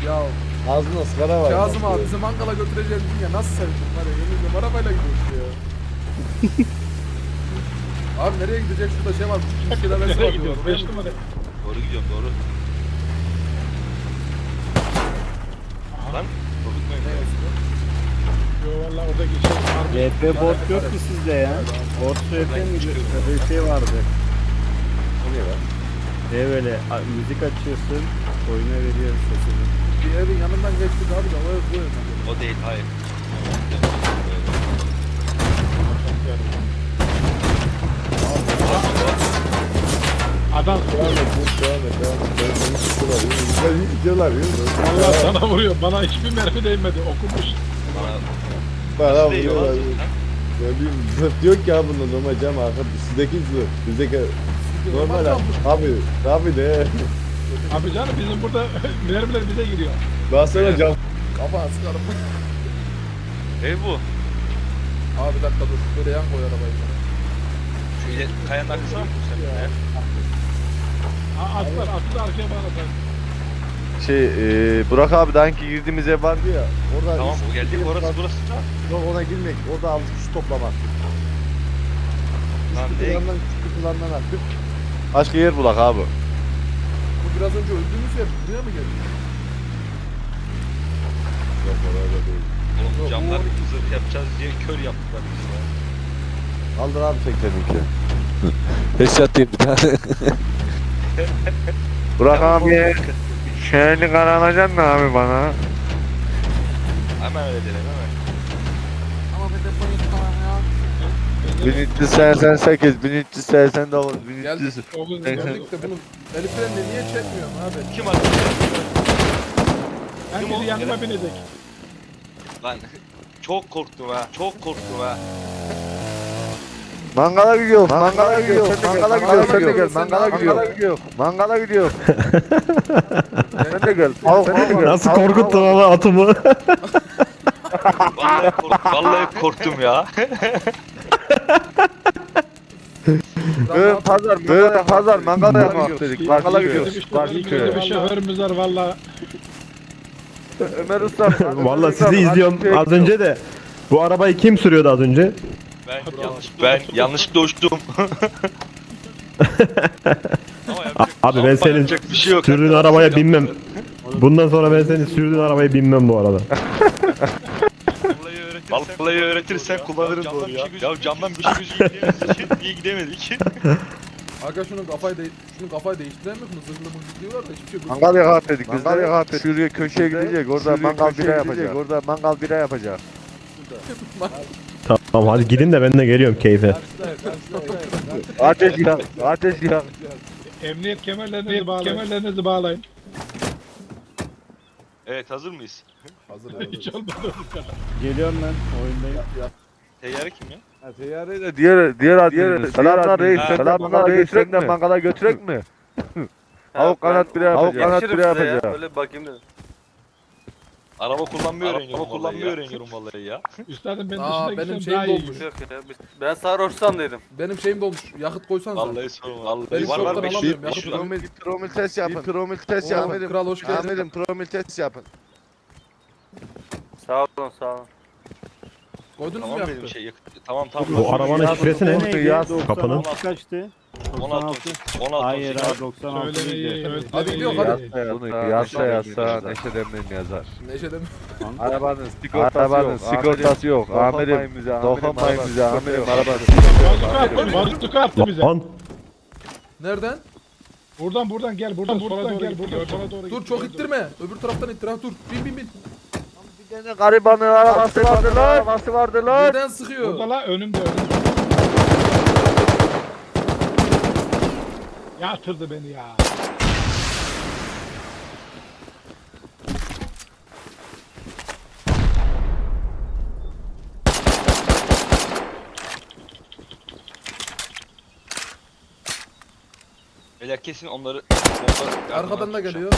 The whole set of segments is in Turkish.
Ya Ağzında ıskara var. Kazım abi bizi mangala götüreceğiz dedin ya, nasıl sevdim var ya, yemin ediyorum arabayla gidiyoruz ya. Abi nereye gidecek, şurada şey var, bir şeyler var Nereye diyor. gidiyoruz? Oraya 5 mı numara. Doğru gidiyorum doğru. Lan korkutmayın. Ne yazıyor? Yo valla orada geçelim. RP bot yok ki sizde ya. Bot RP mi? Böyle bir şey vardı. Oluyor lan. Böyle müzik açıyorsun, oyuna veriyor sesini. Bir evin yanından geçtik abi de o ev bu ev. O değil hayır. Adam Devam et. Beni tutuyorlar. Güzel gidiyorlar. Allah sana vuruyor. Bana hiçbir mermi değmedi. Okumuş. Bana Bana değil vuruyorlar. lan. Ne bileyim zırt yok ya bunda normal cam arka. Sizdeki zırt. Bizdeki normal abi de. Abi canım bizim burada mermiler bize giriyor. Daha sonra cam. Kafa sıkarım. Ev bu. Abi bir dakika dur, böyle yan koy arabayı. Şu ile kayanın arkasına mı kursak? Ne? Atı da arkaya bağlasın. Burak abi daha önce girdiğimiz ev vardı ya. Orada Tamam o geldik orası burası. Yok ona girmek. Orada 6 kişi toplamak. Lan Küçük ne? kutularından küçük kutularından attık. Başka yer bulak abi. Bu biraz önce öldüğümüz yer, buraya mı geldi? Yok orada değil. Oğlum Yok, camlar bu- zırh yapacağız diye kör yaptılar bizi ya. Kaldır abi tekneninki. Headshot diyeyim bir tane. Burak abi şöyle karalayacaksın mı abi bana? Hemen öyle dedim hemen. Ama bir telefon yok falan ya. 1388, 1389, Geldik. 1300. Oğuz Geldik de bunun el frenini niye çekmiyorsun abi? Kim attı? ben Kim o? bizi yanıma binecek. Lan çok korktum ha. Çok korktum ha. Mangala gidiyor, mangala gidiyor, mangala gidiyor, sen de gel, gidiyor, mangala mangala gidiyor, mangala gidiyor. Sen de gel, Nasıl korkuttun ama atımı? Vallahi korktum ya. Böyle pazar, mangala yapmak dedik, mangala Bizim gidiyoruz, işte karşı bizim köye. bir şoförümüz var valla. Ömer Usta, Vallahi sizi izliyorum az önce de. Bu arabayı kim sürüyordu az önce? Ben yanlışlıkla uçtum. Ama Abi ben senin yapacak bir şey yok. sürdüğün arabaya binmem. Bundan sonra ben senin sürdüğün arabaya binmem bu arada. Vallahi öğretirsen kullanırım doğru ya. Ya camdan bir şey gözükmediğimiz için niye gidemedik? Aga şunun kafayı değiştirelim mi? Zırhlı mırhlı diyorlar da hiçbir şey gözükmüyor. mangal yakat dedik, mangal yakat dedik. Şuraya köşeye gidecek, orada mangal bira yapacak, orada mangal bira yapacak. Tamam hadi gidin de ben de geliyorum keyfe. Ateş yak, ateş yak. Emniyet kemerlerinizi bağlayın. Evet hazır mıyız? Hazır Hiç hazır. olmadı. Geliyorum ben oyundayım. Teyyare kim ya? Teyyareyle diğer adminimiz. Selamlar reis, selamlar reis. Sen de mangala götürek mi? Tavuk kanat bira yapacak. Tavuk kanat bira yapacak. Öyle bakayım dedim. Araba kullanmayı öğreniyorum vallahi ya. Üstadım ben Aa, dışına benim gitsem şeyim daha iyi. dolmuş. Yok ya. Ben sarhoşsam dedim. Benim şeyim dolmuş. Yakıt koysanız. Vallahi sorma. Vallahi Benim var çoktan var alamıyorum. Bir Yakıt promil test yapın. Bir promil test Oo, yapın. kral hoş geldin. Amirim promil test yapın. Sağ olun sağ olun. Koydunuz mu Tamam yakıtı? benim şey yakıt. Tamam. Bu arabanın şifresi ne? Kapının. Kaçtı? 16. 16. Hayır abi 96 Söylemeyi, Hadi gidiyor, öğretmeyi. hadi. Bunu yazsa Neşet Emre'nin yazar. Neşe'de mi? Arabanın sigortası yok. Amirim dokunmayın bize. Amirim arabanın Bazuka attı bize. Lan Nereden? Buradan gel buradan sola doğru. Dur çok ittirme. Öbür taraftan ittir ha, dur. Bin. Bir tane garibanın arabası vardı lan. Arabası vardı lan. Nereden sıkıyor? Burada la önümde. Yatırdı beni ya. Beyler kesin onları Arkadan da geliyor.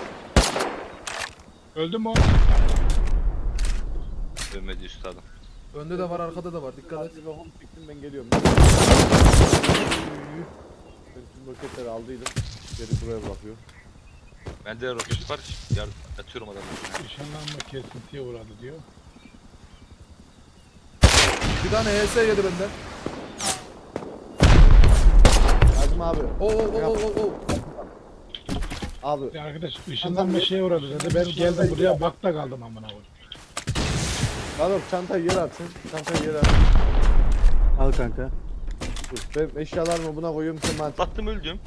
Öldü mü o? Ölmedi üstadım. Önde de var, arkada da var. Dikkat et. Hadi bakalım çıktım ben geliyorum. Ben tüm roketleri aldıydım. Geri buraya bakıyor. Bende roket var. Yardım atıyorum adamı. Işınlanma kesintiye uğradı diyor. Bir tane HS yedi benden. Kazım abi. Oo. Abi. Bir arkadaş ışınlanma şeye uğradı dedi. Ben geldim buraya bakta kaldım amına koyayım. Kanka çantayı yere atsın. Çantayı yere at. Al kanka. Dur. Ben eşyalarımı buna koyuyorum. Sen bana Baktım öldüm.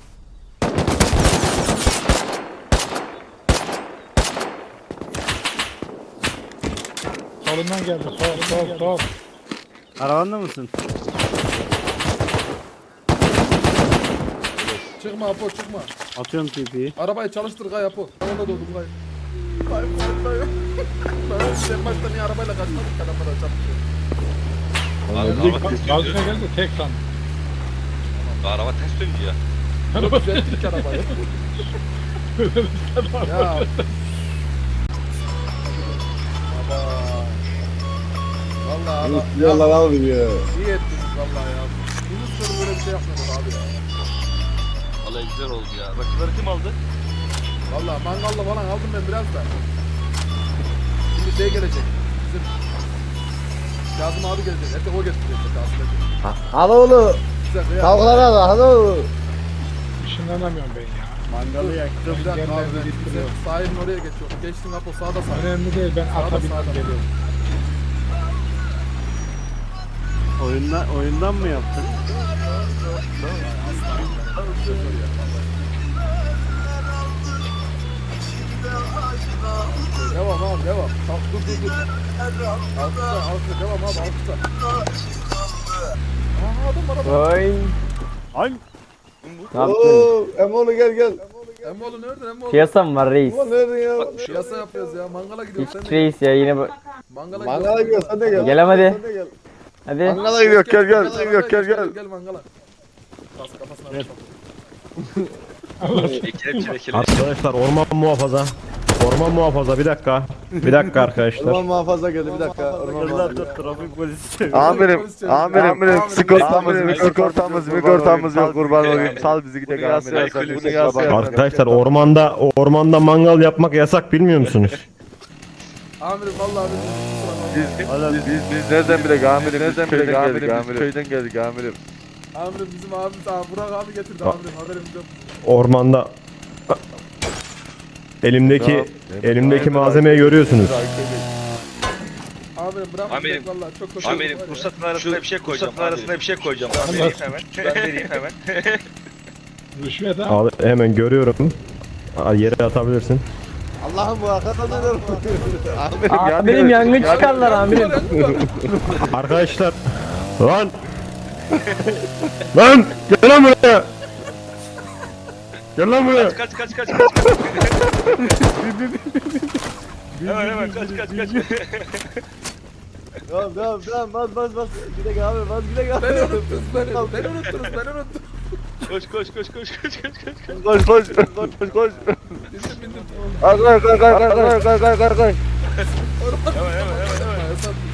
Solundan geldi. Sol. Arabanda mısın? Çıkma Apo, çıkma. Atıyorum TP'yi. Arabayı çalıştır Gay Apo. Ben onda doğdum Gay. Gay. Ben sen başta niye arabayla kaçmadık ki adamlara çarpışıyor. Araba ters Gazına dönüyor. geldi tek sandım. Araba ters döndü ya. Yok düzelttik arabayı. Ya. Vallahi Allah. yalan aldım ya. İyi ettiniz vallahi ya. Bunun sonu böyle bir şey yapmadık abi ya. Vallahi güzel oldu ya. Rakıları kim aldı? Vallahi mangalla falan aldım ben biraz da. Şimdi şey gelecek. Bizim Kazım abi gelecek. Ete o getirecek Kazım abi. Hadi oğlum. Güzel ya. Kavgalar da hadi oğlum. Işınlanamıyorum ben ya. Mangalı yaktım. Bir dakika abi. Engellerimi Bizim gittiriyor. sahilin oraya geçiyor. Geçtin Apo sağda sağ. Önemli değil ben Sağda, ata bindim sağda. geliyorum. Oyundan mı yaptın? Devam abi devam. Tamam, dur. Alkışla devam abi alkışla. Aa adam araba. Ay. Oo, Emoğlu gel. Emmoğlu nerede Emmoğlu? Piyasa mı var reis? Emoğlu nerede ya? Piyasa yapıyoruz ya. Mangala gidiyoruz. Sen Hiç de gel. reis ya yine bu. Mangala Mangala gidiyor sen de gel. Gel hadi. Sen de gel. Hadi. Mangala gidiyor gel gel Gel mangala. Kafasına Gel. Kelepçele. Arkadaşlar orman muhafaza bir dakika. Bir dakika arkadaşlar. Orman muhafaza geldi bir dakika. Orman muhafaza. Trafik polisi. Amirim sigortamız yok kurban olayım. Sal bizi gidelim amirim. Bunu yazsın. Arkadaşlar ormanda mangal yapmak yasak bilmiyor musunuz? Amirim vallahi Biz nereden bilek amirim? Köyden geldik amirim. Amirim bizim abimiz abi Burak abi getirdi amirim haberimiz yok. Ormanda elimdeki malzemeyi görüyorsunuz. Amirim bırak Amirim, vallahi çok kötü. Amirim oldu var ya. ruhsatın arasına bir şey koyacağım. Ruhsatın arasına bir şey koyacağım. Ben vereyim hemen. Ben vereyim hemen. Rüşvet ha. Al, hemen görüyorum. Yere atabilirsin. Allah'ım bu arkadan neler Amirim yangın çıkarlar amirim. Arkadaşlar. Lan gel lan buraya. Gel lan buraya. Kaç. Hemen kaç. Tamam bas. Bir dakika abi bas bir dakika. Beni unuttunuz beni unuttunuz. Koş. Koş. Bindim. Kay. Hemen.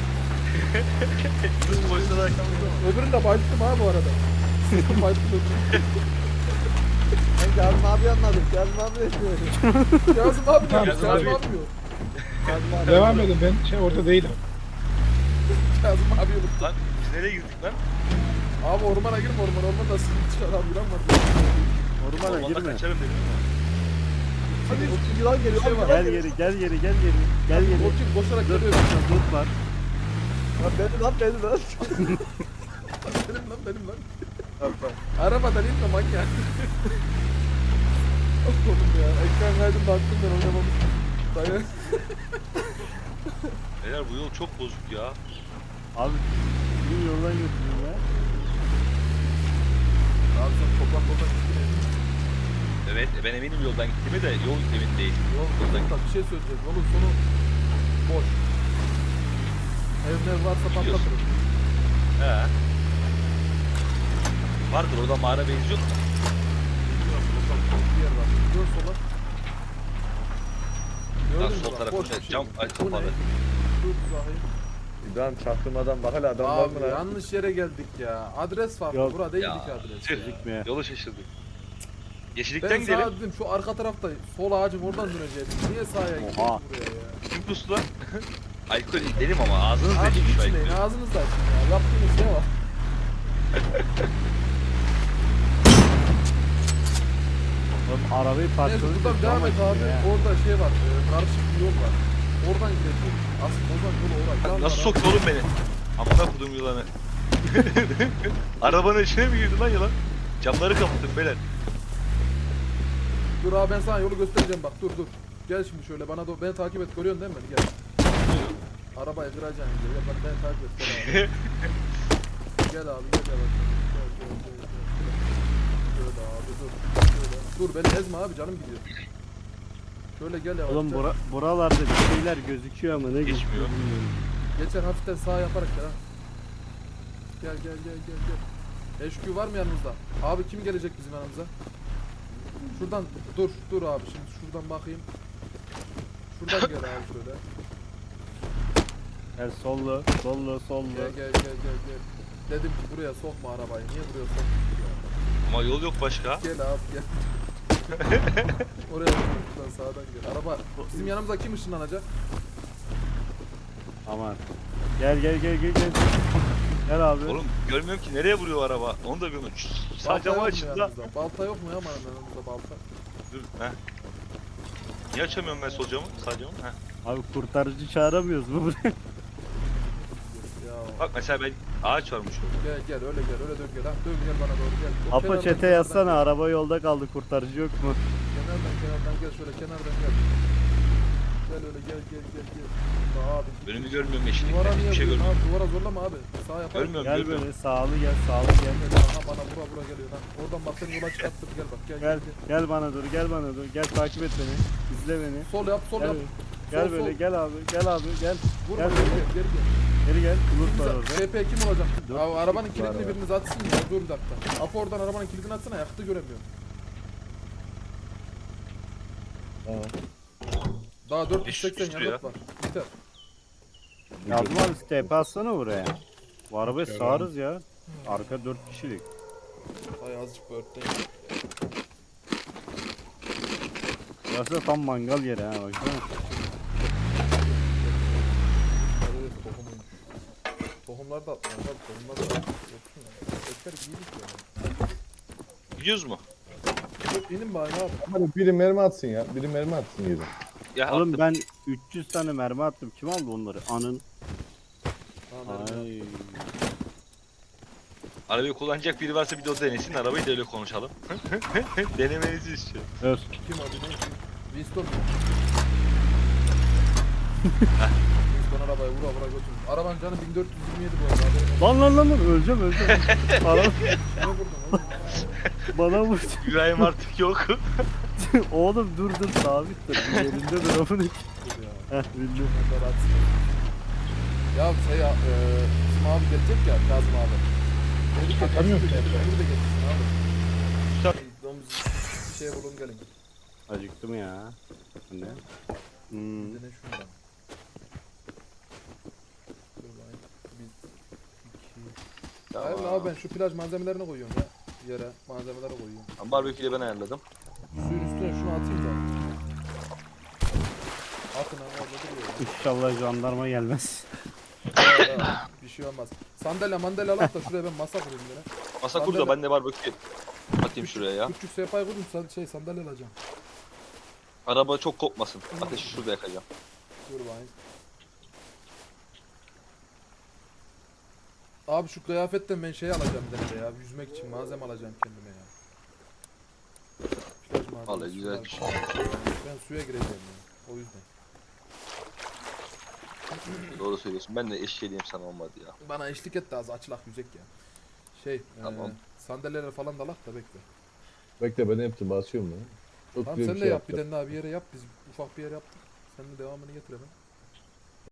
Öbürünü de bayılttım ha bu arada. Sıktım bayılttım öbürünü. Ben Kazım abi anladım. Kazım abi ne? Kazım abi ne? Kazım Kazım abi. abi diyor. Devam edin ben orada değilim. Kazım abi unuttum. Lan biz nereye girdik lan? Abi ormana girme ormanda sıkıntı çıkar abi inanmadım. Ormana Ormanda kaçarım dedim. Hadi yılan geliyor. Şey var. Gel geri. O kim koşarak geliyor. Dur var. Benim lan. Benim lan. Arabadan inme manyak. Oğlum ya ekran kaydında baktım ben oynamamıştım. Dayı. Beyler bu yol çok bozuk ya. Abi bir yoldan götürüyorum ya. Abi sen toprak gittin. Evet ben eminim yoldan gittiğime de yol emin değil. Yoldan Bak bir şey söyleyeceğim. Yolun sonu boş. Ev varsa patlatırım. He. Vardır orada mağara benziyor mu? Bir yer var. Dön sola. Lan Gördün mü sol bak, tarafında boş bir şey. cam Bu ne? kapalı. Dur zahir. İbrahim çaktırmadan bak hele adam var Abi mı lan? yanlış yere geldik ya. Adres farklı. Yok. Bura değildik Ya, adres. tüh. Yolu şaşırdık. Ben Yeşillikten sağa gidelim. dedim şu arka tarafta sol ağacın oradan döneceğiz. Niye sağa gidiyoruz Oha. buraya ya? Kim pusu lan? Alkol dedim ama ağzınız Abi değişmiş şu içmeyin alkolü. ağzınızda açın ya. Yaptığınız ne var? Oğlum arabayı Neyse parçaladık. buradan devam et abi. Orada şey var. Karışık bir yol var. Oradan gideceğiz. Asıl Ozan yolu oraya. Nasıl soktu oğlum beni? Amına kodum yılanı. Arabanın içine mi girdi lan yılan? Camları kapattım beyler. Dur abi ben sana yolu göstereceğim bak dur dur. Gel şimdi şöyle bana doğru beni takip et görüyorsun değil mi beni gel. Arabayı kıracaksın gel bak beni takip et gel abi. Gel abi gel gel bak. Gel. Şöyle abi dur. Şöyle. Dur beni ezme abi canım gidiyor. Şöyle gel yavaşça. Oğlum buralarda bir şeyler gözüküyor ama ne Geçmiyor. gözüküyor bilmiyorum. Geçen hafiften sağ yaparak gel ha. Gel. HQ var mı yanımızda? Abi kim gelecek bizim yanımıza? Şuradan dur abi şimdi şuradan bakayım. Şuradan gel abi şöyle. Gel sollu. Gel. Dedim ki buraya sokma arabayı. Niye buraya sokma? Ama yol yok başka. Gel abi gel. Oraya şuradan sağdan gel. Araba bizim yanımıza kim ışınlanacak? Aman. Gel. Gel abi. Oğlum görmüyorum ki nereye vuruyor araba. Onu da görmüyorum. Sağ Balta camı yok mu açın da. yanımızda? Balta yok mu ya yanımızda balta? Dur. Heh. Niye açamıyorum ben sol camı? Sağ camı? Heh. Abi kurtarıcı çağıramıyoruz mu buraya? Ya Bak mesela ben ağaç varmış orada. gel öyle dön gel ha. Dön gel bana doğru gel. O Apo kenardan, çete kenardan yazsana gel. araba yolda kaldı kurtarıcı yok mu? Kenardan gel şöyle kenardan gel. Gel öyle gel. Abi. Önümü görmüyorum Duvara yeşillikten. niye Hiçbir şey vuruyorsun görmüyorum. abi? Duvara zorlama abi. Sağ yap. Görmüyorum. Gel görmüyorum. böyle sağlı gel. Aha bana vura geliyor lan. Oradan bak seni yola çıkarttım gel bak gel. Gel bana dur gel takip et beni. İzle beni. Sol yap Gel, gel Sol, böyle sol. gel abi gel. Vurma Gel geri gel. Geri gel. Bulut var orada. TP kim olacak? Dört Abi arabanın kişi var kilidini ya. biriniz atsın ya. Dur bir dakika. Apo oradan arabanın kilidini atsana yaktı göremiyorum. Daha 480 düştü yakıt var. Biter. Yazma abi step atsana buraya. Bu arabayı sağarız ya. Arka 4 kişilik. Ay azıcık börtteyim. Burası da tam mangal yeri ha baksana. Evet tohumuymuş. Tohumlar da atmıyor abi. Tohumlar da yoksun ya. Ekber giydik ya. Gidiyoruz mu? Dur inin bari abi. Hadi biri mermi atsın ya. Biri mermi atsın yeri. Ya Oğlum ben 300 tane mermi attım. Kim aldı onları? Anın. Tamam, Ay. arabayı kullanacak biri varsa bir de o denesin. Arabayı da öyle konuşalım. Denemenizi istiyorum. Öz. Kim abi ne? Winston. Winston arabayı vura götür. Arabanın canı 1427 bu arada. haberin olsun. Lan öleceğim. Araba Ne vurdun oğlum? bana vurdu. Yüreğim artık yok. Oğlum dur sabit dur. Bir yerinde dur amına. Dur ya. Heh bildim. Ben de rahatsız oldum. Ya şey ya, bizim abi gelecek ya Kazım abi. Dedik ya Atamıyor Kazım ki. de getirsin abi. Domuz bir şey bulun gelin. Acıktım ya. Bu ne? Hmm. Bir de ne şundan. Dur bakayım. Bir, iki. Hayır abi ben şu plaj malzemelerini koyuyorum ya. Yere malzemeleri koyuyorum. Barbeküyle ben ayarladım. Suyun üstüne şunu atayım da. Atın abi orada duruyor ya. İnşallah jandarma gelmez. Bir şey olmaz. Sandalye mandalye al da şuraya ben masa kurayım yine. Masa kur da ben de barbekü atayım şuraya ya. Küçük sehpayı kurdum sandalye alacağım. Araba çok kopmasın. Ateşi şurada yakacağım. Dur bakayım. Abi şu kıyafetten ben şey alacağım bir de ya. Yüzmek için malzeme alacağım kendime ya. Plaj malzemesi, Vallahi güzel bir şunlar. şey. Ben suya gireceğim ya. O yüzden. Doğru söylüyorsun. Ben de eşeğliyim sana olmadı ya. Bana eşlik et de az açılak yüzek ya. Şey, Tamam. sandalyeler falan da alak da bekle. Bekle ben hepsini basıyorum ya. Çok Tamam güzel sen bir de şey yap bir yaptım. tane daha bir yere yap. Biz ufak bir yer yaptık. Sen de devamını getir hemen.